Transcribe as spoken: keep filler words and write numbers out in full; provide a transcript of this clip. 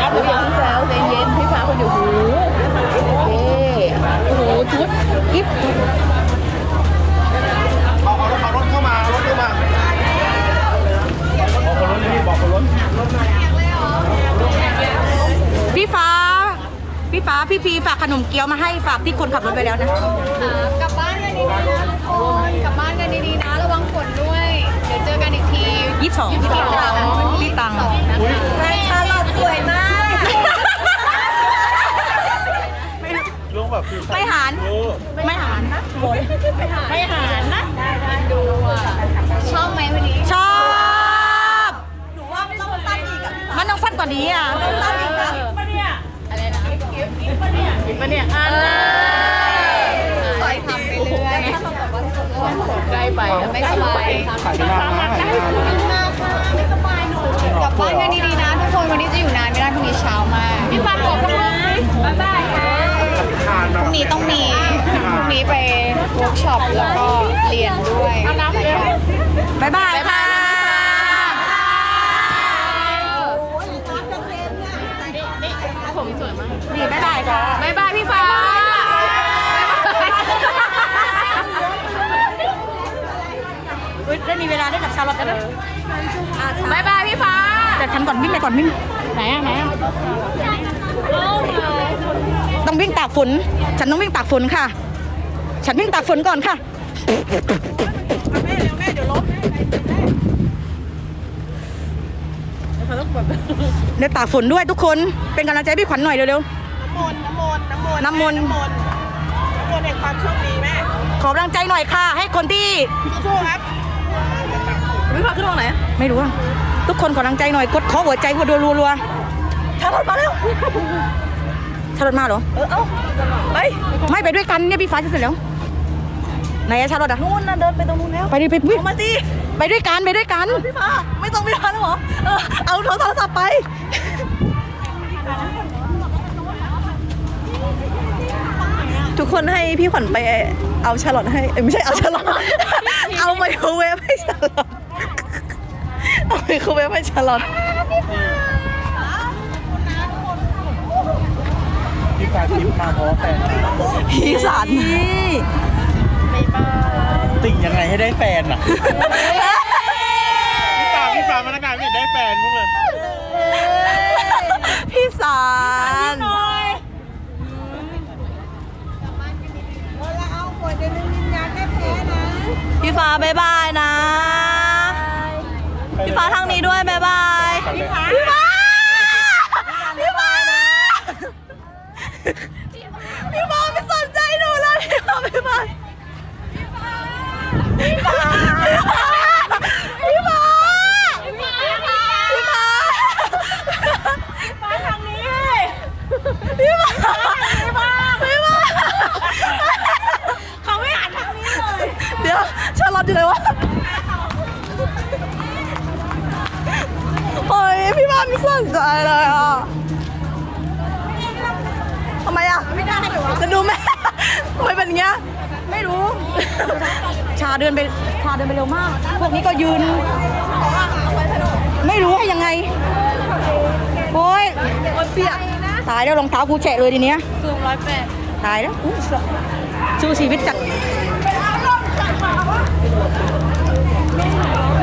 ครับอย่าเพิ่งแซวใจเย็นพี่ฟ้าคนอยู่หูโอเคโอ้โหชุดกิ๊บเอาเอารถเอารถเข้ามารถเข้ามาบอกคนรถนี่บอกคนรถพี่ฟ้าพี่ฟ้าพี่พีฝากขนมเกี๊ยวมาให้ฝากที่คนขับรถไปแล้วนะกลับบ้านกันดีๆนะทุกคนกลับบ้านกันดีๆนะระวังฝนด้วย เดี๋ยวเจอกันอีกทียี่สิบสองที่ตรังที่ตังสองนะคะแฟนชาลอตสวยมากลุงแบบคือไม่หารไม่หารนะไม่หารนะดูอ่ะชอบไหมวันนี้ชอบหนูว่ามันต้องสั้นอีกอ่ะมันต้องสั้นกว่านี้อ่ะสั้นอีกนะอะไรนะมาเนี่ยอันคอยทำไปเรื่อยใกล้ไปไม่สบายขายนานนะขายนานนะมากค่ะไม่สบายหนูกลับบ้านกันดีๆนะทุกคนวันนี้จะอยู่นานไม่ได้พรุ่งนี้เช้ามากพี่ฟ้าขอคุณลุงบ๊ายบายค่ะทานพรุ่งนี้ต้องมีพรุ่งนี้ไปเวิร์กช็อปแล้วก็เรียนด้วยเอาน้ำเร็วบ๊ายบายค่ะผมสวยมากนี่บ๊ายบายค่ะบ๊ายบายพี่ฟ้าอุ๊ยได้มีเวลาได้กับชาลอตแล้วนะบ๊ายบายพี่ฟ้าแต่ฉันก่อนวิ่งไปก่อนวิ่งไหนอ่ะไหนอ่ะต้องวิ่งตากฝนฉันต้องวิ่งตากฝนค่ะ ฉันวิ่งตากฝนก่อนค่ะเดี๋ยวตากฝนด้วยทุกคนเป็นกำลังใจให้พี่ขวัญหน่อยเร็วน้ำมนต์น้ำมนต์น้ำมนต์น้ำมนต์น้ำมนต์น้ำมนต์แห่งความโชคดีแม่ๆขอกำลังใจหน่อยค่ะ ให้คนที่สู้ๆครับไม่พาขึ้นตรงไหนไม่รู้อะทุกคนขอกำลังใจหน่อยกดขอหัวใจหัวรัวๆชาลอตมาแล้วชาลอตมาเหรอเออเอ้าไปไม่ไปด้วยกันเนี่ยพี่ฟ้าจะเสร็จแล้วไหนอะชาลอตอะนู่นนะเดินไปตรงนู้นแล้วไปดิไปวิ่งเอามาดิไปด้วยกันไปด้วยกันพี่ฟ้าไม่ต้องไปทันหรอเออเอาโทรศัพท์ไปทุกคนให้พี่ขวัญไปเอาชาลอตให้เอ้ยไม่ใช่เอาชาลอตเอาไมโครเวฟให้ชาลอตเอาไมโครเวฟให้ชาลอตพี่ฟ้าทิพย์มาเพราะแฟนพี่สันติ่งยังไงให้ได้แฟนอ่ะพี่ฟ้าพี่ฟ้ามาตั้งนานไม่เห็นได้แฟนพวกเลยพี่สันพี่ฟ้าบายบายนะ พี่ฟ้าทางนี้ด้วยบายบายพี่ฟ้าพี่ฟ้าพี่ฟ้านะพี่ฟ้าไม่สนใจหนูเลยพี่ฟ้าบายบายพี่ฟ้าพี่ฟ้าพี่ฟ้าพี่ฟ้าฟ้าทางนี้พี่ฟ้าพี่ฟ้าพี่ฟ้าเขาไม่อ่านทางนี้เลยเดี๋ยวชาลอตอยู่ไหนวะโอ้ยพี่ฟ้าไม่สนใจเลยอ่ะทำไมอ่ะไม่ได้หรอจะดูแม่ทำไมเป็นอย่างเงี้ยไม่รู้ ชาเดินไปชาเดินไปเร็วมาก พวกนี้ก็ยืน ไม่รู้ให้ยังไง โอ้ยเปียกตายแล้วรองเท้ากูแฉะเลยทีเนี้ยซูมร้อยแปดตายแล้วอุ๊ยสู้ชีวิตจัด